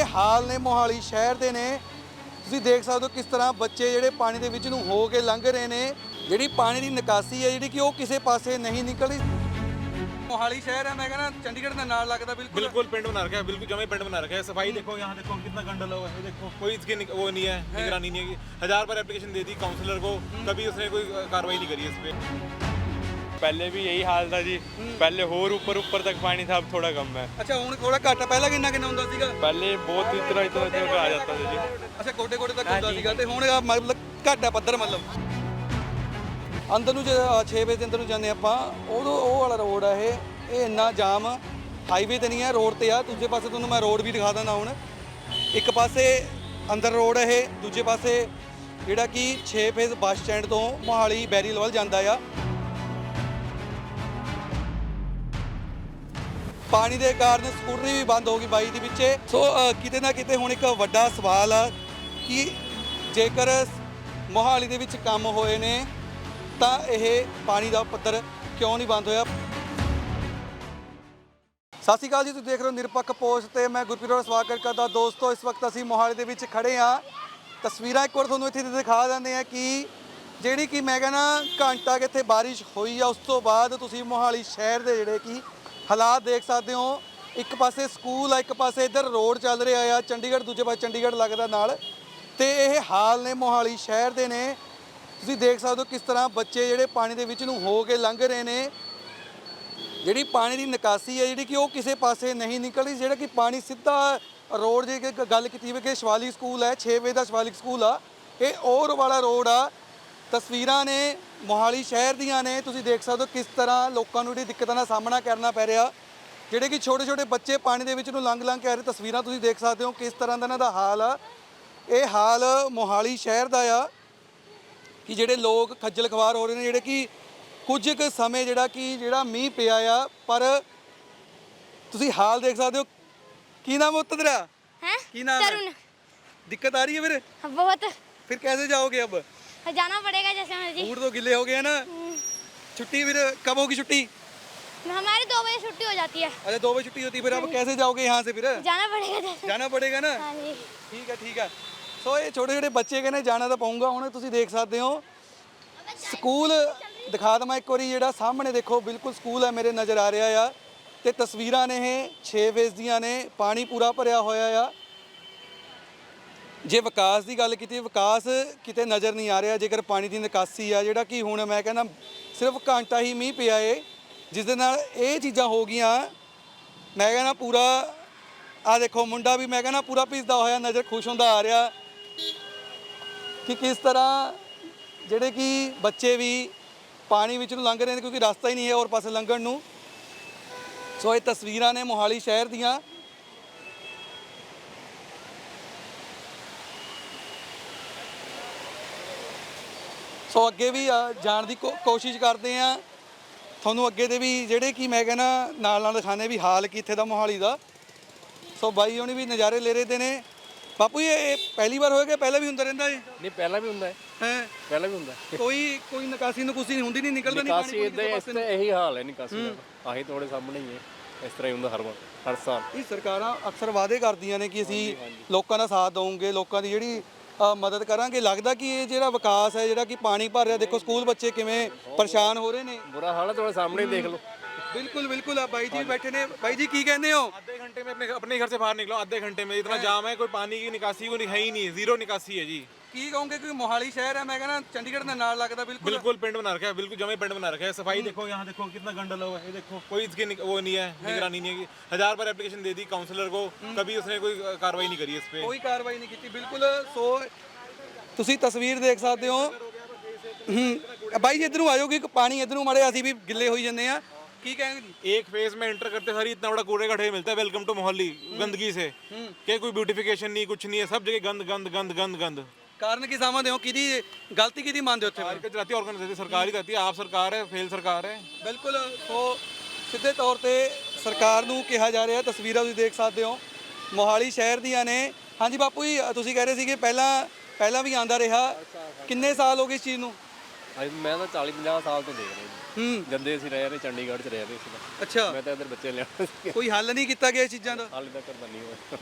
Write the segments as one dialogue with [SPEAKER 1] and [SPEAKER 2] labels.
[SPEAKER 1] ਇਹ ਹਾਲ ਨੇ ਮੋਹਾਲੀ ਸ਼ਹਿਰ ਦੇ ਨੇ। ਤੁਸੀਂ ਦੇਖ ਸਕਦੇ ਹੋ ਕਿਸ ਤਰ੍ਹਾਂ ਬੱਚੇ ਜਿਹੜੇ ਪਾਣੀ ਦੇ ਵਿੱਚ ਨੂੰ ਹੋ ਕੇ ਲੰਘ ਰਹੇ ਨੇ। ਜਿਹੜੀ ਪਾਣੀ ਦੀ ਨਿਕਾਸੀ ਹੈ ਜਿਹੜੀ ਕਿ ਉਹ ਕਿਸੇ ਪਾਸੇ नहीं निकल रही। मोहाली शहर है, मैं कहना चंडीगढ़ के नाल लगता
[SPEAKER 2] बिल्कुल पिंड बना रखा है, बिल्कुल जमे पिंड बना रखा है। सफाई देखो, यहाँ देखो कितना गंदा हुआ है, देखो कोई इसकी वो नहीं है, निगरानी नहीं है। 1000 बार एप्लीकेशन दे दी काउंसलर को, कभी उसने कोई कार्रवाई नहीं करी इस पे।
[SPEAKER 3] पहले भी यही हाल था जी, पहले होर ऊपर तक पानी था, अब थोड़ा कम है।
[SPEAKER 1] अच्छा हुण थोड़ा घट है, पहला कितना हुंदा सीगा?
[SPEAKER 3] पहले बहुत इतना आ जाता था जी।
[SPEAKER 1] अच्छा गोडे गोडे तक हुंदा सीगा ते हुण मतलब घट है पੱਧਰ मतलब अंदर ਨੂੰ ਜੇ 6 ਵਜੇ ਦੇ ਅੰਦਰ ਨੂੰ ਜਾਂਦੇ ਆਪਾਂ ਉਦੋਂ ਉਹ ਵਾਲਾ ਰੋਡ ਆ ਇਹ ਇੰਨਾ ਜਾਮ ਹਾਈਵੇ ਤੇ ਨਹੀਂ ਹੈ, ਰੋਡ ਤੇ ਆ। ਦੂਜੇ ਪਾਸੇ ਤੁਹਾਨੂੰ ਮੈਂ ਰੋਡ ਵੀ ਦਿਖਾ ਦਿੰਦਾ। ਹੁਣ ਇੱਕ ਪਾਸੇ ਅੰਦਰ ਰੋਡ ਇਹ, ਦੂਜੇ ਪਾਸੇ ਜਿਹੜਾ ਕਿ 6 ਫੇਜ਼ ਬੱਸ ਸਟੈਂਡ ਤੋਂ ਮੋਹਾਲੀ ਬੈਰੀਲ ਵੱਲ ਜਾਂਦਾ ਆ। ਪਾਣੀ ਦੇ ਕਾਰਨ ਸਕੂਟਰੀ ਵੀ ਬੰਦ ਹੋ ਗਈ ਬਾਈ ਦੇ ਵਿੱਚ। ਸੋ ਕਿਤੇ ਨਾ ਕਿਤੇ ਹੁਣ ਇੱਕ ਵੱਡਾ ਸਵਾਲ ਆ ਕਿ ਜੇਕਰ ਮੋਹਾਲੀ ਦੇ ਵਿੱਚ ਕੰਮ ਹੋਏ ਨੇ ਤਾਂ ਇਹ ਪਾਣੀ ਦਾ ਪੱਧਰ ਕਿਉਂ ਨਹੀਂ ਬੰਦ ਹੋਇਆ। ਸਤਿ ਸ਼੍ਰੀ ਅਕਾਲ ਜੀ, ਤੁਸੀਂ ਦੇਖ ਰਹੇ ਹੋ ਨਿਰਪੱਖ ਪੋਸਟ ਤੇ ਮੈਂ ਗੁਰਪ੍ਰੀਤ ਦਾ ਸਵਾਗਤ ਕਰਦਾ। ਦੋਸਤੋ ਇਸ ਵਕਤ ਅਸੀਂ ਮੋਹਾਲੀ ਦੇ ਵਿੱਚ ਖੜੇ ਹਾਂ। ਤਸਵੀਰਾਂ ਇੱਕ ਵਾਰ ਤੁਹਾਨੂੰ ਇੱਥੇ ਦਿਖਾ ਦਿੰਦੇ ਆ ਕਿ ਜਿਹੜੀ ਕਿ ਮੈਂ ਕਹਿੰਦਾ ਘੰਟਾ ਕਿ ਇੱਥੇ ਬਾਰਿਸ਼ ਹੋਈ ਆ, ਉਸ ਤੋਂ ਬਾਅਦ ਤੁਸੀਂ ਮੋਹਾਲੀ ਸ਼ਹਿਰ ਦੇ ਜਿਹੜੇ ਕਿ ਹਾਲਾਤ ਦੇਖ ਸਕਦੇ ਹੋ। ਇੱਕ ਪਾਸੇ ਸਕੂਲ ਆ, ਇੱਕ ਪਾਸੇ ਇੱਧਰ ਰੋਡ ਚੱਲ ਰਿਹਾ ਆ ਚੰਡੀਗੜ੍ਹ, ਦੂਜੇ ਪਾਸੇ ਚੰਡੀਗੜ੍ਹ ਲੱਗਦਾ ਨਾਲ। ਤੇ ਇਹ ਹਾਲ ਨੇ ਮੋਹਾਲੀ ਸ਼ਹਿਰ ਦੇ ਨੇ। ਤੁਸੀਂ ਦੇਖ ਸਕਦੇ ਹੋ ਕਿਸ ਤਰ੍ਹਾਂ ਬੱਚੇ ਜਿਹੜੇ ਪਾਣੀ ਦੇ ਵਿੱਚ ਨੂੰ ਹੋ ਕੇ ਲੰਘ ਰਹੇ ਨੇ। ਜਿਹੜੀ ਪਾਣੀ ਦੀ ਨਿਕਾਸੀ ਹੈ ਜਿਹੜੀ ਕਿ ਉਹ ਕਿਸੇ ਪਾਸੇ ਨਹੀਂ ਨਿਕਲ ਰਹੀ। ਜਿਹੜਾ ਕਿ ਪਾਣੀ ਸਿੱਧਾ ਰੋਡ ਜੇ ਗੱਲ ਕੀਤੀ ਹੋਵੇ ਕਿ ਸ਼ਿਵਾਲਿਕ ਸਕੂਲ ਹੈ, 6 ਵਜੇ ਦਾ ਸ਼ਿਵਾਲਿਕ ਸਕੂਲ ਆ, ਇਹ ਔਰ ਵਾਲਾ ਰੋਡ ਆ। ਤਸਵੀਰਾਂ ਨੇ ਮੋਹਾਲੀ ਸ਼ਹਿਰ ਦੀਆਂ ਨੇ। ਤੁਸੀਂ ਦੇਖ ਸਕਦੇ ਹੋ ਕਿਸ ਤਰ੍ਹਾਂ ਲੋਕਾਂ ਨੂੰ ਜਿਹੜੀ ਦਿੱਕਤਾਂ ਦਾ ਸਾਹਮਣਾ ਕਰਨਾ ਪੈ ਰਿਹਾ। ਜਿਹੜੇ ਕਿ ਛੋਟੇ ਛੋਟੇ ਬੱਚੇ ਪਾਣੀ ਦੇ ਵਿੱਚ ਨੂੰ ਲੰਘ ਕੇ ਆ ਰਹੇ। ਤਸਵੀਰਾਂ ਤੁਸੀਂ ਦੇਖ ਸਕਦੇ ਹੋ ਕਿਸ ਤਰ੍ਹਾਂ ਦਾ ਇਹਨਾਂ ਦਾ ਹਾਲ ਆ। ਇਹ ਹਾਲ ਮੋਹਾਲੀ ਸ਼ਹਿਰ ਦਾ ਆ ਕਿ ਜਿਹੜੇ ਲੋਕ ਖੱਜਲ ਖਵਾਰ ਹੋ ਰਹੇ ਨੇ। ਜਿਹੜੇ ਕਿ ਕੁਝ ਕੁ ਸਮੇਂ ਜਿਹੜਾ ਮੀਂਹ ਪਿਆ ਆ, ਪਰ ਤੁਸੀਂ ਹਾਲ ਦੇਖ ਸਕਦੇ ਹੋ। ਕੀ ਨਾਮ ਹੈ ਤੇਰਾ?
[SPEAKER 4] हैं?
[SPEAKER 1] ਕੀ ਨਾਮ ਹੈ?
[SPEAKER 4] तरुण।
[SPEAKER 1] दिक्कत आ रही है फिर?
[SPEAKER 4] बहुत
[SPEAKER 1] फिर कैसे जाओगे अब?
[SPEAKER 4] जाना पड़ेगा जैसे मर्जी।
[SPEAKER 1] बूट तो गिले हो गए हैं ना। छुट्टी फिर कब होगी छुट्टी?
[SPEAKER 4] हमारी 2 बजे छुट्टी हो जाती है।
[SPEAKER 1] अच्छा 2 बजे छुट्टी होती है, फिर अब कैसे जाओगे यहाँ से? फिर
[SPEAKER 4] जाना पड़ेगा जैसे।
[SPEAKER 1] जाना पड़ेगा ना।
[SPEAKER 4] हाँ जी।
[SPEAKER 1] ठीक है। ਸੋ ਇਹ ਛੋਟੇ ਛੋਟੇ ਬੱਚੇ ਕਹਿੰਦੇ ਜਾਣਾ ਤਾਂ ਪਊਗਾ। ਹੁਣ ਤੁਸੀਂ ਦੇਖ ਸਕਦੇ ਹੋ ਸਕੂਲ ਦਿਖਾ ਦਵਾਂ ਇੱਕ ਵਾਰੀ। ਜਿਹੜਾ ਸਾਹਮਣੇ ਦੇਖੋ ਬਿਲਕੁਲ ਸਕੂਲ ਹੈ ਮੇਰੇ ਨਜ਼ਰ ਆ ਰਿਹਾ ਆ। ਤੇ ਤਸਵੀਰਾਂ ਨੇ ਇਹ 6 ਫੇਜ਼ ਦੀਆਂ ਨੇ। ਪਾਣੀ ਪੂਰਾ ਭਰਿਆ ਹੋਇਆ ਆ। ਜੇ ਵਿਕਾਸ ਦੀ ਗੱਲ ਕੀਤੀ, ਵਿਕਾਸ ਕਿਤੇ ਨਜ਼ਰ ਨਹੀਂ ਆ ਰਿਹਾ। ਜੇਕਰ ਪਾਣੀ ਦੀ ਨਿਕਾਸੀ ਆ ਜਿਹੜਾ ਕਿ ਹੁਣ ਮੈਂ ਕਹਿੰਦਾ ਸਿਰਫ ਘੰਟਾ ਹੀ ਮੀਂਹ ਪਿਆ ਏ, ਜਿਸ ਦੇ ਨਾਲ ਇਹ ਚੀਜ਼ਾਂ ਹੋ ਗਈਆਂ। ਮੈਂ ਕਹਿੰਦਾ ਪੂਰਾ ਆ ਦੇਖੋ ਮੁੰਡਾ ਵੀ ਮੈਂ ਕਹਿੰਦਾ ਪੂਰਾ ਭਿੱਜਦਾ ਹੋਇਆ ਨਜ਼ਰ ਖੁਸ਼ ਹੁੰਦਾ ਆ ਰਿਹਾ ਕਿ ਕਿਸ ਤਰ੍ਹਾਂ ਜਿਹੜੇ ਕਿ ਬੱਚੇ ਵੀ ਪਾਣੀ ਵਿੱਚ ਨੂੰ ਲੰਘ ਰਹੇ ਨੇ ਕਿਉਂਕਿ ਰਸਤਾ ਹੀ ਨਹੀਂ ਹੈ ਹੋਰ ਪਾਸੇ ਲੰਘਣ ਨੂੰ। ਸੋ ਇਹ ਤਸਵੀਰਾਂ ਨੇ ਮੋਹਾਲੀ ਸ਼ਹਿਰ ਦੀਆਂ। ਸੋ ਅੱਗੇ ਵੀ ਜਾਣ ਦੀ ਕੋਸ਼ਿਸ਼ ਕਰਦੇ ਆ। ਤੁਹਾਨੂੰ ਅੱਗੇ ਦੇ ਵੀ ਜਿਹੜੇ ਕਿ ਮੈਂ ਕਹਿੰਦਾ ਨਾਲ ਦਿਖਾਣੇ ਵੀ ਹਾਲ ਕੀ ਇੱਥੇ ਦਾ ਮੋਹਾਲੀ ਦਾ। ਸੋ ਬਾਈ ਹੋਣੀ ਵੀ ਨਜ਼ਾਰੇ ਲੈ ਰਹੇ ਨੇ। ਬਾਪੂ ਇਹ ਪਹਿਲੀ ਵਾਰ ਹੋਏਗਾ, ਪਹਿਲਾਂ ਵੀ ਹੁੰਦਾ ਰਹਿੰਦਾ ਇਹ?
[SPEAKER 3] नहीं पहला भी ਹੁੰਦਾ
[SPEAKER 1] ਹੈ
[SPEAKER 3] ਪਹਿਲਾਂ ਵੀ ਹੁੰਦਾ
[SPEAKER 1] ਕੋਈ ਨਿਕਾਸੀ ਨਹੀਂ ਹੁੰਦੀ, ਨਹੀਂ ਨਿਕਲਦਾ ਨਹੀਂ
[SPEAKER 3] ਨਿਕਾਸੀ ਇਦਾਂ ਇਹੀ ਹਾਲ ਹੈ ਨਿਕਾਸੀ ਦਾ। ਆਹੀ ਤੁਹਾਡੇ ਸਾਹਮਣੇ ਹੀ ਹੈ, ਇਸ ਤਰ੍ਹਾਂ ਹੀ ਹੁੰਦਾ ਹਰ ਵਾਰ ਹਰ ਸਾਲ।
[SPEAKER 1] ਇਹ ਸਰਕਾਰਾਂ ਅਕਸਰ ਵਾਅਦੇ ਕਰਦੀਆਂ ਨੇ ਕਿ ਅਸੀਂ ਲੋਕਾਂ ਦਾ ਸਾਥ ਦਵਾਂਗੇ, ਲੋਕਾਂ ਦੀ ਜਿਹੜੀ ਮਦਦ ਕਰਾਂਗੇ। ਲੱਗਦਾ ਕਿ ਇਹ ਜਿਹੜਾ ਵਿਕਾਸ ਹੈ ਜਿਹੜਾ ਕਿ ਪਾਣੀ ਭਰ ਰਿਹਾ, ਦੇਖੋ ਸਕੂਲ ਬੱਚੇ ਕਿਵੇਂ ਪਰੇਸ਼ਾਨ ਹੋ ਰਹੇ ਨੇ।
[SPEAKER 3] ਬੁਰਾ ਹਾਲ ਹੈ, ਤੁਹਾਡੇ ਸਾਹਮਣੇ ਦੇਖ ਲਓ।
[SPEAKER 1] बिल्कुल आप भाई जी बैठे ने। भाई जी की कहते हो?
[SPEAKER 2] आधे घंटे में अपने घर से बाहर निकलो, आधे घंटे में इतना जाम है, कोई पानी की निकासी को है ही नहीं, जीरो निकासी है जी।
[SPEAKER 1] की कहूँगे कि मोहाली शहर है, मैं कहना चंडीगढ़ के नाल लगता
[SPEAKER 2] बिल्कुल पिंड बना रखा है, बिल्कुल जमे पिंड बना रखा है। सफाई देखो, यहाँ देखो कितना गंदा हुआ है, देखो कोई इसकी वो नहीं है, निगरानी नहीं है। 1000 बार एप्लीकेशन दे दी काउंसलर को, कभी उसने कोई कार्रवाई नहीं करी इस पे।
[SPEAKER 1] कोई कार्रवाई नहीं की। बिल्कुल सो तुसी तस्वीर देख सकते हो। भाई जी इधर आ जाओ कि पानी इधर मारे असी भी गिले हो जाते हैं। की कहेंगे जी?
[SPEAKER 2] एक फेज में एंटर करते सारी इतना बड़ा कूड़े का ढेर मिलता है। वेलकम टू मोहाली, गंदगी से क्या कोई ब्यूटिफिकेशन नहीं, कुछ नहीं है, सब जगह गंद गंद गंद गंद गंद।
[SPEAKER 1] कारण की समझते हो कि गलती की मानते हो?
[SPEAKER 2] ऑर्गेनाइजेशन सरकार ही रहती है, आप सरकार है, फेल सरकार है।
[SPEAKER 1] बिल्कुल सो ਸਿੱਧੇ ਤੌਰ ਤੇ ਸਰਕਾਰ ਨੂੰ ਕਿਹਾ ਜਾ ਰਿਹਾ। ਤਸਵੀਰਾਂ ਤੁਸੀਂ ਦੇਖ ਸਕਦੇ ਹੋ ਮੋਹਾਲੀ ਸ਼ਹਿਰ ਦੀਆਂ ਨੇ। ਹਾਂਜੀ ਬਾਪੂ ਜੀ ਤੁਸੀਂ ਕਹਿ ਰਹੇ ਸੀਗੇ ਪਹਿਲਾਂ ਵੀ ਆਂਦਾ ਰਿਹਾ, ਕਿੰਨੇ ਸਾਲ ਹੋ ਗਏ ਇਸ ਚੀਜ਼ ਨੂੰ?
[SPEAKER 3] ਮੈਂ ਤਾਂ 40-50 ਸਾਲ ਤੋਂ ਦੇਖ ਰਿਹਾ ਜੀ। ਜੰਦੇ ਅਸੀਂ ਰਹੇ ਨੇ ਚੰਡੀਗੜ੍ਹ 'ਚ ਰਹੇ ਨੇ।
[SPEAKER 1] ਅੱਛਾ
[SPEAKER 3] ਮੈਂ ਤਾਂ ਇੱਧਰ ਬੱਚੇ ਲਿਆਉਣਾ ਸੀ।
[SPEAKER 1] ਕੋਈ ਹੱਲ ਨਹੀਂ ਕੀਤਾ ਗਿਆ ਇਸ ਚੀਜ਼ਾਂ ਦਾ?
[SPEAKER 3] ਹਾਲੇ ਤੱਕ ਤਾਂ ਨਹੀਂ ਹੋਇਆ।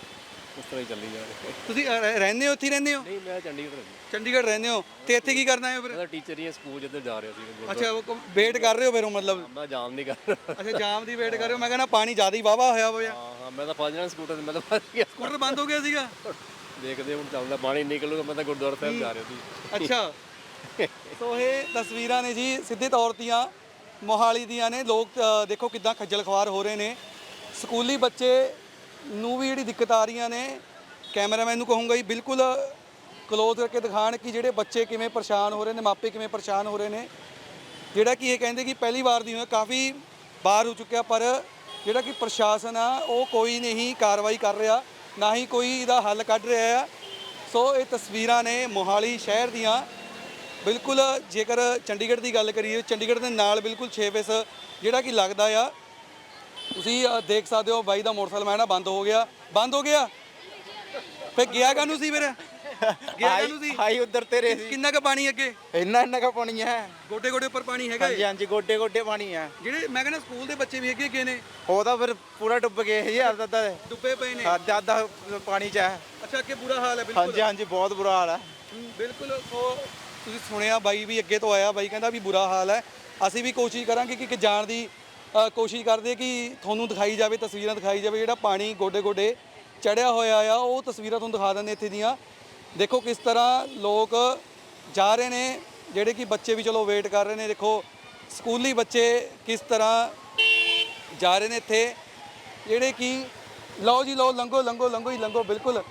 [SPEAKER 3] ਉਸ ਤਰ੍ਹਾਂ ਹੀ ਚੱਲੀ ਜਾ ਰਿਹਾ।
[SPEAKER 1] ਤੁਸੀਂ ਰਹਿੰਦੇ ਹੋ ਇੱਥੇ ਹੀ ਰਹਿੰਦੇ ਹੋ?
[SPEAKER 3] ਨਹੀਂ ਮੈਂ ਚੰਡੀਗੜ੍ਹ ਰਹਿੰਦਾ।
[SPEAKER 1] ਚੰਡੀਗੜ੍ਹ ਰਹਿੰਦੇ ਹੋ ਤੇ ਇੱਥੇ ਕੀ ਕਰਨਾ ਹੈ ਫਿਰ?
[SPEAKER 3] ਮੈਂ ਤਾਂ ਟੀਚਰ ਹੀ ਹਾਂ, ਸਕੂਲ ਜਿੱਧਰ ਜਾ ਰਿਹਾ ਸੀ।
[SPEAKER 1] ਅੱਛਾ ਉਹ ਵੇਟ ਕਰ ਰਹੇ ਹੋ ਫਿਰ ਮਤਲਬ?
[SPEAKER 3] ਮੈਂ ਜਾਮ ਨਹੀਂ ਕਰ ਰਿਹਾ।
[SPEAKER 1] ਅੱਛਾ ਜਾਮ ਦੀ ਵੇਟ ਕਰ ਰਹੇ ਹੋ। ਮੈਂ ਕਹਿੰਦਾ ਪਾਣੀ ਜ਼ਿਆਦਾ ਹੀ ਵਾਹਵਾ ਹੋਇਆ ਹੋਇਆ।
[SPEAKER 3] ਹਾਂ ਮੈਂ ਤਾਂ ਫਸ ਜਾਣਾ ਸਕੂਟਰ ਤੇ, ਮੈਂ ਤਾਂ ਫਸ ਗਿਆ।
[SPEAKER 1] ਸਕੂਟਰ ਬੰਦ ਹੋ ਗਿਆ ਸੀਗਾ?
[SPEAKER 3] ਦੇਖਦੇ ਹੁਣ ਚੱਲਦਾ, ਪਾਣੀ ਨਿਕਲੂਗਾ। ਮੈਂ ਤਾਂ ਗੁਰਦੁਆਰਾ ਸਾਹਿਬ ਜਾ ਰਿਹਾ ਸੀ।
[SPEAKER 1] ਅੱਛਾ ਸੋ ਇਹ ਤਸਵੀਰਾਂ ਨੇ ਜੀ ਸਿੱਧੇ ਤੌਰ ਦੀਆਂ ਮੋਹਾਲੀ ਦੀਆਂ ਨੇ। ਲੋਕ ਦੇਖੋ ਕਿੱਦਾਂ ਖੱਜਲ ਖਵਾਰ ਹੋ ਰਹੇ ਨੇ। ਸਕੂਲੀ ਬੱਚੇ ਨੂੰ ਵੀ ਜਿਹੜੀ ਦਿੱਕਤ ਆ ਰਹੀਆਂ ਨੇ। ਕੈਮਰਾਮੈਨ ਨੂੰ ਕਹੂੰਗਾ ਜੀ ਬਿਲਕੁਲ ਕਲੋਜ਼ ਕਰਕੇ ਦਿਖਾਣ ਕਿ ਜਿਹੜੇ ਬੱਚੇ ਕਿਵੇਂ ਪਰੇਸ਼ਾਨ ਹੋ ਰਹੇ ਨੇ, ਮਾਪੇ ਕਿਵੇਂ ਪਰੇਸ਼ਾਨ ਹੋ ਰਹੇ ਨੇ। ਜਿਹੜਾ ਕਿ ਇਹ ਕਹਿੰਦੇ ਕਿ ਪਹਿਲੀ ਵਾਰ ਦੀ ਹੋਇਆ, ਕਾਫੀ ਵਾਰ ਹੋ ਚੁੱਕਿਆ, ਪਰ ਜਿਹੜਾ ਕਿ ਪ੍ਰਸ਼ਾਸਨ ਆ ਉਹ ਕੋਈ ਨਹੀਂ ਕਾਰਵਾਈ ਕਰ ਰਿਹਾ, ਨਾ ਹੀ ਕੋਈ ਇਹਦਾ ਹੱਲ ਕੱਢ ਰਿਹਾ ਆ। ਸੋ ਇਹ ਤਸਵੀਰਾਂ ਨੇ ਮੋਹਾਲੀ ਸ਼ਹਿਰ ਦੀਆਂ। ਬਿਲਕੁਲ ਜੇਕਰ ਚੰਡੀਗੜ੍ਹ ਦੀ ਗੱਲ ਕਰੀਏ, ਚੰਡੀਗੜ੍ਹ ਦੇ ਨਾਲ ਬਿਲਕੁਲ 6 ਫੇਸ ਜਿਹੜਾ ਕਿ ਲੱਗਦਾ ਆ। ਤੁਸੀਂ ਦੇਖ ਸਕਦੇ ਹੋ ਬਾਈ ਦਾ ਮੋਟਰਸਾਈਕਲ ਮੈਂ ਨਾ ਬੰਦ ਹੋ ਗਿਆ ਫੇ ਗਿਆ ਕਾਹਨੂੰ ਸੀ ਫਿਰ? ਗਿਆ ਕਾਹਨੂੰ ਸੀ?
[SPEAKER 5] ਹਾਈ ਉਧਰ ਤੇਰੇ ਸੀ।
[SPEAKER 1] ਕਿੰਨਾ ਕੁ ਪਾਣੀ ਅੱਗੇ?
[SPEAKER 5] ਇੰਨਾ ਕਾ ਪਾਣੀ ਹੈ।
[SPEAKER 1] ਗੋਡੇ ਗੋਡੇ ਉੱਪਰ ਪਾਣੀ ਹੈਗਾ
[SPEAKER 5] ਹਾਂਜੀ ਹਾਂਜੀ ਗੋਡੇ ਗੋਡੇ ਪਾਣੀ ਹੈ।
[SPEAKER 1] ਜਿਹੜੇ ਮੈਂ ਕਹਿੰਦਾ ਸਕੂਲ ਦੇ ਬੱਚੇ ਵੀ ਅੱਗੇ ਨੇ
[SPEAKER 5] ਉਹ ਤਾਂ ਫਿਰ ਪੂਰਾ ਡੁੱਬ ਗਏ ਜੀ। ਅੱਧਾ
[SPEAKER 1] ਡੁੱਬੇ ਪਏ ਨੇ।
[SPEAKER 5] ਅੱਧਾ ਪਾਣੀ ਚ ਹੈ।
[SPEAKER 1] ਅੱਛਾ ਅੱਗੇ ਬੁਰਾ ਹਾਲ ਹੈ ਬਿਲਕੁਲ।
[SPEAKER 5] ਹਾਂਜੀ ਹਾਂਜੀ ਬਹੁਤ ਬੁਰਾ ਹਾਲ ਹੈ।
[SPEAKER 1] ਬਿਲਕੁਲ। ਸੋ ਤੁਸੀਂ ਸੁਣਿਆ ਬਾਈ ਵੀ ਅੱਗੇ ਤੋਂ ਆਇਆ, ਬਾਈ ਕਹਿੰਦਾ ਵੀ ਬੁਰਾ ਹਾਲ ਹੈ। ਅਸੀਂ ਵੀ ਕੋਸ਼ਿਸ਼ ਕਰਾਂਗੇ ਕਿ ਜਾਣ ਦੀ ਕੋਸ਼ਿਸ਼ ਕਰਦੇ ਕਿ ਤੁਹਾਨੂੰ ਦਿਖਾਈ ਜਾਵੇ, ਤਸਵੀਰਾਂ ਦਿਖਾਈ ਜਾਵੇ। ਜਿਹੜਾ ਪਾਣੀ ਗੋਡੇ ਗੋਡੇ ਚੜਿਆ ਹੋਇਆ ਆ ਉਹ ਤਸਵੀਰਾਂ ਤੁਹਾਨੂੰ ਦਿਖਾ ਦਿੰਦੇ ਇੱਥੇ ਦੀਆਂ। ਦੇਖੋ ਕਿਸ ਤਰ੍ਹਾਂ ਲੋਕ ਜਾ ਰਹੇ ਨੇ, ਜਿਹੜੇ ਕਿ ਬੱਚੇ ਵੀ ਚਲੋ ਵੇਟ ਕਰ ਰਹੇ ਨੇ। ਦੇਖੋ ਸਕੂਲੀ ਬੱਚੇ ਕਿਸ ਤਰ੍ਹਾਂ ਜਾ ਰਹੇ ਨੇ ਇੱਥੇ, ਜਿਹੜੇ ਕਿ ਲਓ ਜੀ ਲਓ, ਲੰਘੋ ਬਿਲਕੁਲ।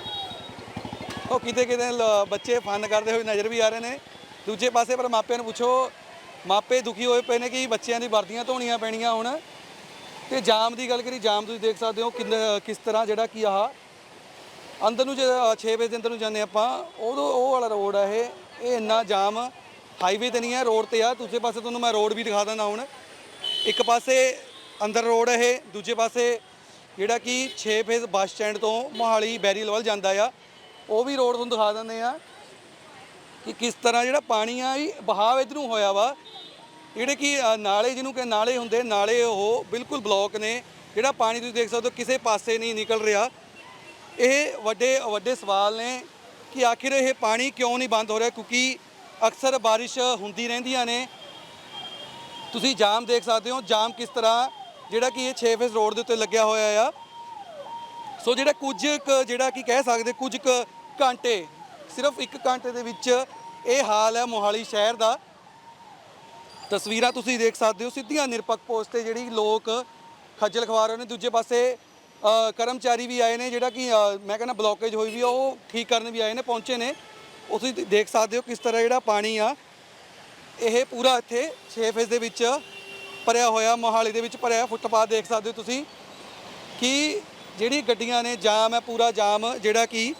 [SPEAKER 1] ਉਹ ਕਿਤੇ ਬੱਚੇ ਫਨ ਕਰਦੇ ਹੋਏ ਨਜ਼ਰ ਵੀ ਆ ਰਹੇ ਨੇ ਦੂਜੇ ਪਾਸੇ। ਪਰ ਮਾਪਿਆਂ ਨੂੰ ਪੁੱਛੋ, ਮਾਪੇ ਦੁਖੀ ਹੋਏ ਪਏ ਨੇ ਕਿ ਬੱਚਿਆਂ ਦੀ ਵਰਦੀਆਂ ਧੋਣੀਆਂ ਪੈਣੀਆਂ ਹੁਣ। ਤੇ ਜਾਮ ਦੀ ਗੱਲ ਕਰੀ, ਜਾਮ ਤੁਸੀਂ ਦੇਖ ਸਕਦੇ ਹੋ ਕਿਸ ਤਰ੍ਹਾਂ ਜਿਹੜਾ ਕਿ ਆਹ ਅੰਦਰ ਨੂੰ ਜੇ 6 ਵਜੇ ਦੇ ਅੰਦਰ ਨੂੰ ਜਾਂਦੇ ਆਪਾਂ, ਉਹ ਵਾਲਾ ਰੋਡ ਆ ਇਹ ਇੰਨਾ ਜਾਮ ਹਾਈਵੇ ਤੇ ਨਹੀਂ ਹੈ, ਰੋਡ ਤੇ ਆ। ਦੂਜੇ ਪਾਸੇ ਤੁਹਾਨੂੰ ਮੈਂ ਰੋਡ ਵੀ ਦਿਖਾ ਦਿੰਦਾ ਹੁਣ। ਇੱਕ ਪਾਸੇ ਅੰਦਰ ਰੋਡ ਇਹ, ਦੂਜੇ ਪਾਸੇ ਜਿਹੜਾ ਕਿ 6 ਫੇਜ਼ ਬੱਸ ਸਟੈਂਡ ਤੋਂ ਮੋਹਾਲੀ ਬੈਰੀਅਲ ਵੱਲ ਜਾਂਦਾ ਆ, ਉਹ ਵੀ ਰੋਡ ਤੁਹਾਨੂੰ ਦਿਖਾ ਦਿੰਦੇ ਆ ਕਿ ਕਿਸ ਤਰ੍ਹਾਂ ਜਿਹੜਾ ਪਾਣੀ ਆ ਇਹ ਬਹਾਵ ਇੱਧਰ ਨੂੰ ਹੋਇਆ ਵਾ। ਜਿਹੜੇ ਕਿ ਨਾਲੇ ਜਿਹਨੂੰ ਕਿ ਨਾਲੇ ਹੁੰਦੇ, ਨਾਲੇ ਉਹ ਬਿਲਕੁਲ ਬਲੌਕ ਨੇ। ਜਿਹੜਾ ਪਾਣੀ ਤੁਸੀਂ ਦੇਖ ਸਕਦੇ ਹੋ ਕਿਸੇ ਪਾਸੇ ਨਹੀਂ ਨਿਕਲ ਰਿਹਾ। ਇਹ ਵੱਡੇ ਸਵਾਲ ਨੇ ਕਿ ਆਖਿਰ ਇਹ ਪਾਣੀ ਕਿਉਂ ਨਹੀਂ ਬੰਦ ਹੋ ਰਿਹਾ, ਕਿਉਂਕਿ ਅਕਸਰ ਬਾਰਿਸ਼ ਹੁੰਦੀ ਰਹਿੰਦੀਆਂ ਨੇ। ਤੁਸੀਂ ਜਾਮ ਦੇਖ ਸਕਦੇ ਹੋ, ਜਾਮ ਕਿਸ ਤਰ੍ਹਾਂ ਜਿਹੜਾ ਕਿ ਇਹ 6 ਫੇਜ਼ ਰੋਡ ਦੇ ਉੱਤੇ ਲੱਗਿਆ ਹੋਇਆ ਆ। ਸੋ ਜਿਹੜਾ ਜਿਹੜਾ ਕਿ ਕਹਿ ਸਕਦੇ ਕੁਝ ਘੰਟੇ, ਸਿਰਫ 1 ਘੰਟੇ ਦੇ ਵਿੱਚ ਇਹ ਹਾਲ ਹੈ ਮੋਹਾਲੀ ਸ਼ਹਿਰ ਦਾ। ਤਸਵੀਰਾਂ ਤੁਸੀਂ ਦੇਖ ਸਕਦੇ ਹੋ ਸਿੱਧੀਆਂ ਨਿਰਪੱਖ ਪੋਸਟ ਤੇ ਜਿਹੜੀ ਲੋਕ ਖੱਜਲ ਖਵਾਰ ਰਹੇ ਨੇ। ਦੂਜੇ ਪਾਸੇ ਕਰਮਚਾਰੀ ਵੀ ਆਏ ਨੇ, ਜਿਹੜਾ ਕਿ ਮੈਂ ਕਹਿੰਦਾ ਬਲੌਕੇਜ ਹੋਈ ਵੀ ਉਹ ਠੀਕ ਕਰਨ ਵੀ ਆਏ ਨੇ, ਪਹੁੰਚੇ ਨੇ। ਉਹ ਤੁਸੀਂ ਦੇਖ ਸਕਦੇ ਹੋ ਕਿਸ ਤਰ੍ਹਾਂ ਜਿਹੜਾ ਪਾਣੀ ਆ ਇਹ ਪੂਰਾ ਇੱਥੇ 6 ਫੇਜ਼ ਦੇ ਵਿੱਚ ਭਰਿਆ ਹੋਇਆ, ਮੋਹਾਲੀ ਦੇ ਵਿੱਚ ਭਰਿਆ। ਫੁੱਟਪਾਥ ਦੇਖ ਸਕਦੇ ਹੋ ਤੁਸੀਂ ਕਿ ਜਿਹੜੀ ਗੱਡੀਆਂ ਨੇ, ਜਾਮ ਹੈ ਪੂਰਾ ਜਾਮ ਜਿਹੜਾ ਕਿ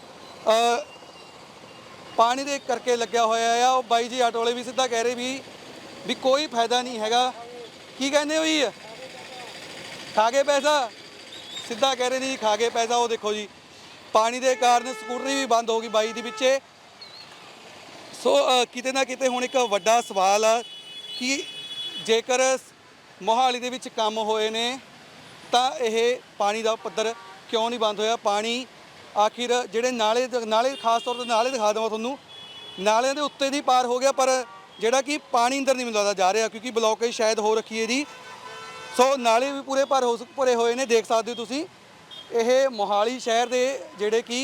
[SPEAKER 1] ਪਾਣੀ ਦੇ ਕਰਕੇ ਲੱਗਿਆ ਹੋਇਆ ਆ। ਉਹ ਬਾਈ ਜੀ ਆਟੋ ਵਾਲੇ ਵੀ ਸਿੱਧਾ ਕਹਿ ਰਹੇ ਵੀ ਕੋਈ ਫਾਇਦਾ ਨਹੀਂ ਹੈਗਾ। ਕੀ ਕਹਿੰਦੇ ਹੋ ਜੀ? ਖਾ ਗਏ ਪੈਸਾ? ਸਿੱਧਾ ਕਹਿ ਰਹੇ ਨੇ ਜੀ ਖਾ ਗਏ ਪੈਸਾ। ਉਹ ਦੇਖੋ ਜੀ ਪਾਣੀ ਦੇ ਕਾਰਨ ਸਕੂਟਰੀ ਵੀ ਬੰਦ ਹੋ ਗਈ ਬਾਈ ਦੀ ਵਿੱਚੇ। ਸੋ ਕਿਤੇ ਨਾ ਕਿਤੇ ਹੁਣ ਇੱਕ ਵੱਡਾ ਸਵਾਲ ਆ ਕਿ ਜੇਕਰ ਮੋਹਾਲੀ ਦੇ ਵਿੱਚ ਕੰਮ ਹੋਏ ਨੇ ਤਾਂ ਇਹ ਪਾਣੀ ਦਾ ਪੱਧਰ ਕਿਉਂ ਨਹੀਂ ਬੰਦ ਹੋਇਆ? ਪਾਣੀ ਆਖਿਰ ਜਿਹੜੇ ਨਾਲੇ ਖਾਸ ਤੌਰ ਤੇ ਨਾਲੇ ਦਿਖਾ ਦੇਵਾਂ ਤੁਹਾਨੂੰ, ਨਾਲਿਆਂ ਦੇ ਉੱਤੇ ਦੀ ਪਾਰ ਹੋ ਗਿਆ, ਪਰ ਜਿਹੜਾ ਕਿ ਪਾਣੀ ਅੰਦਰ ਨਹੀਂ ਮਿਲਦਾ ਜਾ ਰਿਹਾ ਕਿਉਂਕਿ ਬਲੌਕੇਜ ਸ਼ਾਇਦ ਹੋ ਰੱਖੀ ਹੈ ਜੀ। ਸੋ ਨਾਲੇ ਵੀ ਪੂਰੇ ਭਰੇ ਹੋਏ ਨੇ, ਦੇਖ ਸਕਦੇ ਹੋ ਤੁਸੀਂ। ਇਹ ਮੋਹਾਲੀ ਸ਼ਹਿਰ ਦੇ ਜਿਹੜੇ ਕਿ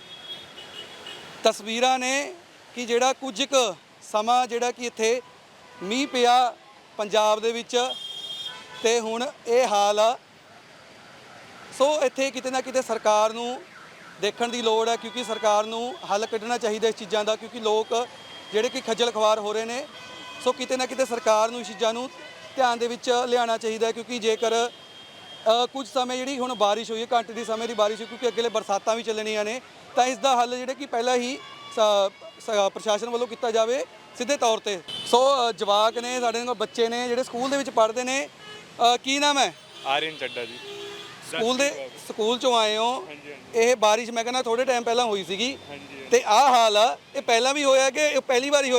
[SPEAKER 1] ਤਸਵੀਰਾਂ ਨੇ ਕਿ ਜਿਹੜਾ ਕੁਝ ਕੁ ਸਮਾਂ ਜਿਹੜਾ ਕਿ ਇੱਥੇ ਮੀਂਹ ਪਿਆ ਪੰਜਾਬ ਦੇ ਵਿੱਚ ਤੇ ਹੁਣ ਇਹ ਹਾਲ ਆ। ਸੋ ਇੱਥੇ ਕਿਤੇ ਨਾ ਕਿਤੇ ਸਰਕਾਰ ਨੂੰ ਦੇਖਣ ਦੀ ਲੋੜ ਹੈ, ਕਿਉਂਕਿ ਸਰਕਾਰ ਨੂੰ ਹੱਲ ਕੱਢਣਾ ਚਾਹੀਦਾ ਇਸ ਚੀਜ਼ਾਂ ਦਾ, ਕਿਉਂਕਿ ਲੋਕ ਜਿਹੜੇ ਕਿ ਖੱਜਲ ਖਵਾਰ ਹੋ ਰਹੇ ਨੇ। ਸੋ ਕਿਤੇ ਨਾ ਕਿਤੇ ਸਰਕਾਰ ਨੂੰ ਇਸ ਚੀਜ਼ਾਂ ਨੂੰ ਧਿਆਨ ਦੇ ਵਿੱਚ ਲਿਆਉਣਾ ਚਾਹੀਦਾ ਹੈ, ਕਿਉਂਕਿ ਜੇਕਰ ਕੁਝ ਸਮੇਂ ਜਿਹੜੀ ਹੁਣ ਬਾਰਿਸ਼ ਹੋਈ ਹੈ, ਘੰਟੇ ਦੀ ਸਮੇਂ ਦੀ ਬਾਰਿਸ਼ ਹੋਈ, ਕਿਉਂਕਿ ਅੱਗੇ ਬਰਸਾਤਾਂ ਵੀ ਚੱਲਣੀਆਂ ਨੇ, ਤਾਂ ਇਸ ਦਾ ਹੱਲ ਜਿਹੜਾ ਕਿ ਪਹਿਲਾਂ ਹੀ ਪ੍ਰਸ਼ਾਸਨ ਵੱਲੋਂ ਕੀਤਾ ਜਾਵੇ ਸਿੱਧੇ ਤੌਰ ਤੇ। ਸੋ ਜਵਾਕ ਨੇ ਸਾਡੇ ਨਾਲ, ਬੱਚੇ ਨੇ ਜਿਹੜੇ ਸਕੂਲ ਦੇ ਵਿੱਚ ਪੜ੍ਹਦੇ ਨੇ। ਕੀ ਨਾਮ ਹੈ?
[SPEAKER 6] ਆਰੀਅਨ ਚੱਡਾ ਜੀ।
[SPEAKER 1] ਸਕੂਲ ਚੋਂ ਆਏ ਹੋ? ਇਹ ਬਾਰਿਸ਼ ਮੈਂ ਕਹਿੰਦਾ ਥੋੜੇ ਟਾਈਮ ਪਹਿਲਾਂ ਹੋਈ ਸੀਗੀ ਤੇ ਆਹ ਹਾਲ ਆ। ਇਹ ਪਹਿਲਾਂ ਵੀ ਹੋਇਆ ਕਿ ਇਹ ਪਹਿਲੀ ਵਾਰ ਹੀ ਹੋਇਆ?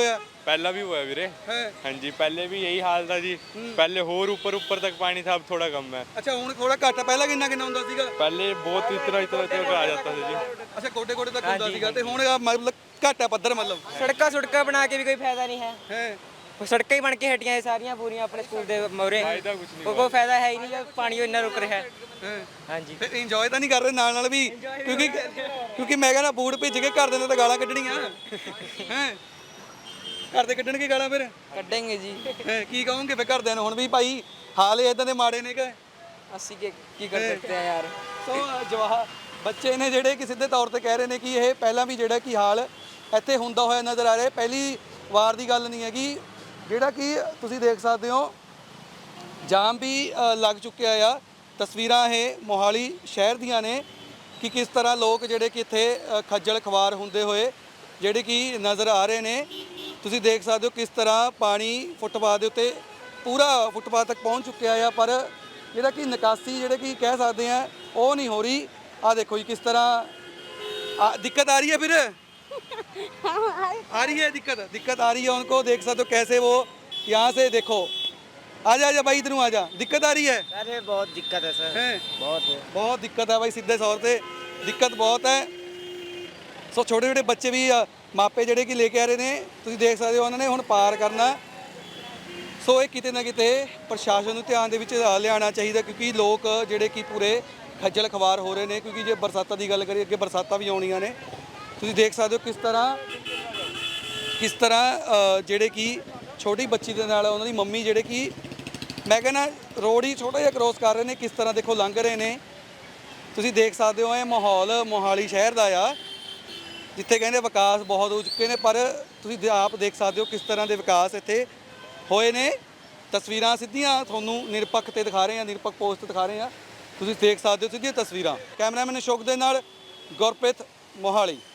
[SPEAKER 6] पहला भी हुआ है वीरे।
[SPEAKER 1] ਹੈ
[SPEAKER 6] हाँ जी, पहले भी यही हाल था जी। पहले और ऊपर ऊपर तक पानी था, अब थोड़ा कम है।
[SPEAKER 1] ਅੱਛਾ ਹੁਣ ਥੋੜਾ ਘੱਟ ਆ ਪਹਿਲਾਂ ਕਿੰਨਾ ਕਿੰਨਾ ਹੁੰਦਾ ਸੀਗਾ
[SPEAKER 6] पहले बहुत इतना इतना इतना आ जाता था जी।
[SPEAKER 1] ਅੱਛਾ ਗੋਡੇ ਗੋਡੇ ਤੱਕ ਹੁੰਦਾ ਸੀਗਾ ਤੇ ਹੁਣ ਆ ਮਤਲਬ ਘੱਟ ਆ ਪੱਧਰ ਮਤਲਬ
[SPEAKER 7] ਸੜਕਾਂ ਸੁੜਕਾਂ ਬਣਾ ਕੇ ਵੀ ਕੋਈ ਫਾਇਦਾ ਨਹੀਂ ਹੈ
[SPEAKER 1] ਹੈ
[SPEAKER 7] ਸੜਕਾਂ ਹੀ ਬਣ ਕੇ ਹਟੀਆਂ ਇਹ ਸਾਰੀਆਂ ਪੂਰੀਆਂ ਆਪਣੇ ਸਕੂਲ ਦੇ ਮੋਰੇ
[SPEAKER 6] फायदा कुछ नहीं
[SPEAKER 7] ਕੋਈ ਫਾਇਦਾ ਹੈ ਹੀ ਨਹੀਂ ਜਦ ਪਾਣੀ ਇੰਨਾ ਰੁਕ ਰਿਹਾ ਹੈ
[SPEAKER 1] ਹੈ
[SPEAKER 7] ਹਾਂਜੀ
[SPEAKER 1] ਫਿਰ ਇੰਜੋਏ ਤਾਂ ਨਹੀਂ ਕਰ ਰਹੇ ਨਾਲ ਨਾਲ ਵੀ ਕਿਉਂਕਿ ਮੈਂ ਕਹਿੰਦਾ ਬੂਟ ਭਿੱਜ ਕੇ ਘਰ ਦੇ ਨੇ ਤਾਂ ਗਾਲਾਂ ਕੱਢਣੀਆਂ ਹੈ ਘਰ ਦੇ ਕੱਢਣਗੇ ਗਾਲਾਂ ਫਿਰ
[SPEAKER 7] ਕੱਢਾਂਗੇ ਜੀ
[SPEAKER 1] ਹੈਂ, ਕੀ ਕਹੋਗੇ ਫਿਰ ਘਰਦਿਆਂ ਨੂੰ ਹੁਣ ਵੀ ਭਾਈ ਹਾਲ ਇਦਾਂ ਦੇ ਮਾੜੇ ਨੇ ਕਿ
[SPEAKER 7] ਅਸੀਂ ਕੀ ਕਰ ਸਕਦੇ ਆ ਯਾਰ
[SPEAKER 1] ਸੋ ਜਵਾਹ ਬੱਚੇ ਨੇ ਜਿਹੜੇ ਕਿ ਸਿੱਧੇ ਤੌਰ ਤੇ ਕਹਿ ਰਹੇ ਨੇ ਕਿ ਇਹ ਪਹਿਲਾਂ ਵੀ ਜਿਹੜਾ ਕਿ ਹਾਲ ਇੱਥੇ ਹੁੰਦਾ ਹੋਇਆ ਨਜ਼ਰ ਆ ਰਿਹਾ ਪਹਿਲੀ ਵਾਰ ਦੀ ਗੱਲ ਨਹੀਂ ਹੈਗੀ ਜਿਹੜਾ ਕਿ ਤੁਸੀਂ ਦੇਖ ਸਕਦੇ ਹੋ ਜਾਮ ਵੀ ਲੱਗ ਚੁੱਕਿਆ ਆ ਤਸਵੀਰਾਂ ਇਹ ਮੋਹਾਲੀ ਸ਼ਹਿਰ ਦੀਆਂ ਨੇ ਕਿ ਕਿਸ ਤਰ੍ਹਾਂ ਲੋਕ ਜਿਹੜੇ ਕਿ ਇੱਥੇ ਖੱਜਲ ਖਵਾਰ ਹੁੰਦੇ ਹੋਏ ਜਿਹੜੇ ਕਿ ਨਜ਼ਰ ਆ ਰਹੇ ਨੇ ਤੁਸੀਂ ਦੇਖ ਸਕਦੇ ਹੋ ਕਿਸ ਤਰ੍ਹਾਂ ਪਾਣੀ ਫੁੱਟਪਾਥ ਦੇ ਉੱਤੇ ਪੂਰਾ ਫੁੱਟਪਾਥ ਤੱਕ ਪਹੁੰਚ ਚੁੱਕਿਆ ਆ ਪਰ ਜਿਹੜਾ ਕਿ ਨਿਕਾਸੀ ਜਿਹੜੇ ਕਿ ਕਹਿ ਸਕਦੇ ਆ ਉਹ ਨਹੀਂ ਹੋ ਰਹੀ ਆ ਦੇਖੋ ਜੀ ਕਿਸ ਤਰ੍ਹਾਂ ਦਿੱਕਤ ਆ ਰਹੀ ਹੈ ਫਿਰ आ रही है दिक्कत आ रही है उनको देख सकते हो कैसे वो यहाँ से देखो आजा भाई इधर आजा दिक्कत आ रही है
[SPEAKER 7] अरे बहुत दिक्कत है सर
[SPEAKER 1] हैं
[SPEAKER 7] बहुत
[SPEAKER 1] दिक्कत है भाई सीधे तौर पे दिक्कत बहुत है ਸੋ ਛੋਟੇ ਛੋਟੇ ਬੱਚੇ ਵੀ ਮਾਪੇ ਜਿਹੜੇ ਕਿ ਲੈ ਕੇ ਆ ਰਹੇ ਨੇ ਤੁਸੀਂ ਦੇਖ ਸਕਦੇ ਹੋ ਉਹਨਾਂ ਨੇ ਹੁਣ ਪਾਰ ਕਰਨਾ ਸੋ ਇਹ ਕਿਤੇ ਨਾ ਕਿਤੇ ਪ੍ਰਸ਼ਾਸਨ ਨੂੰ ਧਿਆਨ ਦੇ ਵਿੱਚ ਲਿਆਉਣਾ ਚਾਹੀਦਾ ਕਿਉਂਕਿ ਲੋਕ ਜਿਹੜੇ ਕਿ ਪੂਰੇ ਖੱਜਲ ਖਵਾਰ ਹੋ ਰਹੇ ਨੇ ਕਿਉਂਕਿ ਜੇ ਬਰਸਾਤਾਂ ਦੀ ਗੱਲ ਕਰੀਏ ਅੱਗੇ ਬਰਸਾਤਾਂ ਵੀ ਆਉਣੀਆਂ ਨੇ ਤੁਸੀਂ ਦੇਖ ਸਕਦੇ ਹੋ ਕਿਸ ਤਰ੍ਹਾਂ ਜਿਹੜੇ ਕਿ ਛੋਟੀ ਬੱਚੀ ਦੇ ਨਾਲ ਉਹਨਾਂ ਦੀ ਮੰਮੀ ਜਿਹੜੇ ਕਿ ਮੈਂ ਕਹਿੰਦਾ ਰੋਡ ਹੀ ਛੋਟਾ ਜਿਹਾ ਕ੍ਰੋਸ ਕਰ ਰਹੇ ਨੇ ਕਿਸ ਤਰ੍ਹਾਂ ਦੇਖੋ ਲੰਘ ਰਹੇ ਨੇ ਤੁਸੀਂ ਦੇਖ ਸਕਦੇ ਹੋ ਇਹ ਮਾਹੌਲ ਮੋਹਾਲੀ ਸ਼ਹਿਰ ਦਾ ਆ ਜਿੱਥੇ ਕਹਿੰਦੇ ਵਿਕਾਸ ਬਹੁਤ ਹੋ ਚੁੱਕੇ ਨੇ ਪਰ ਤੁਸੀਂ ਆਪ ਦੇਖ ਸਕਦੇ ਹੋ ਕਿਸ ਤਰ੍ਹਾਂ ਦੇ ਵਿਕਾਸ ਇੱਥੇ ਹੋਏ ਨੇ ਤਸਵੀਰਾਂ ਸਿੱਧੀਆਂ ਤੁਹਾਨੂੰ ਨਿਰਪੱਖ ਤੇ ਦਿਖਾ ਰਹੇ ਹਾਂ ਨਿਰਪੱਖ ਪੋਸਟ ਤੇ ਦਿਖਾ ਰਹੇ ਹਾਂ ਤੁਸੀਂ ਦੇਖ ਸਕਦੇ ਹੋ ਸਿੱਧੀਆਂ ਤਸਵੀਰਾਂ ਕੈਮਰਾਮੈਨ ਅਸ਼ੋਕ ਦੇ ਨਾਲ ਗੁਰਪ੍ਰੀਤ ਮੋਹਾਲੀ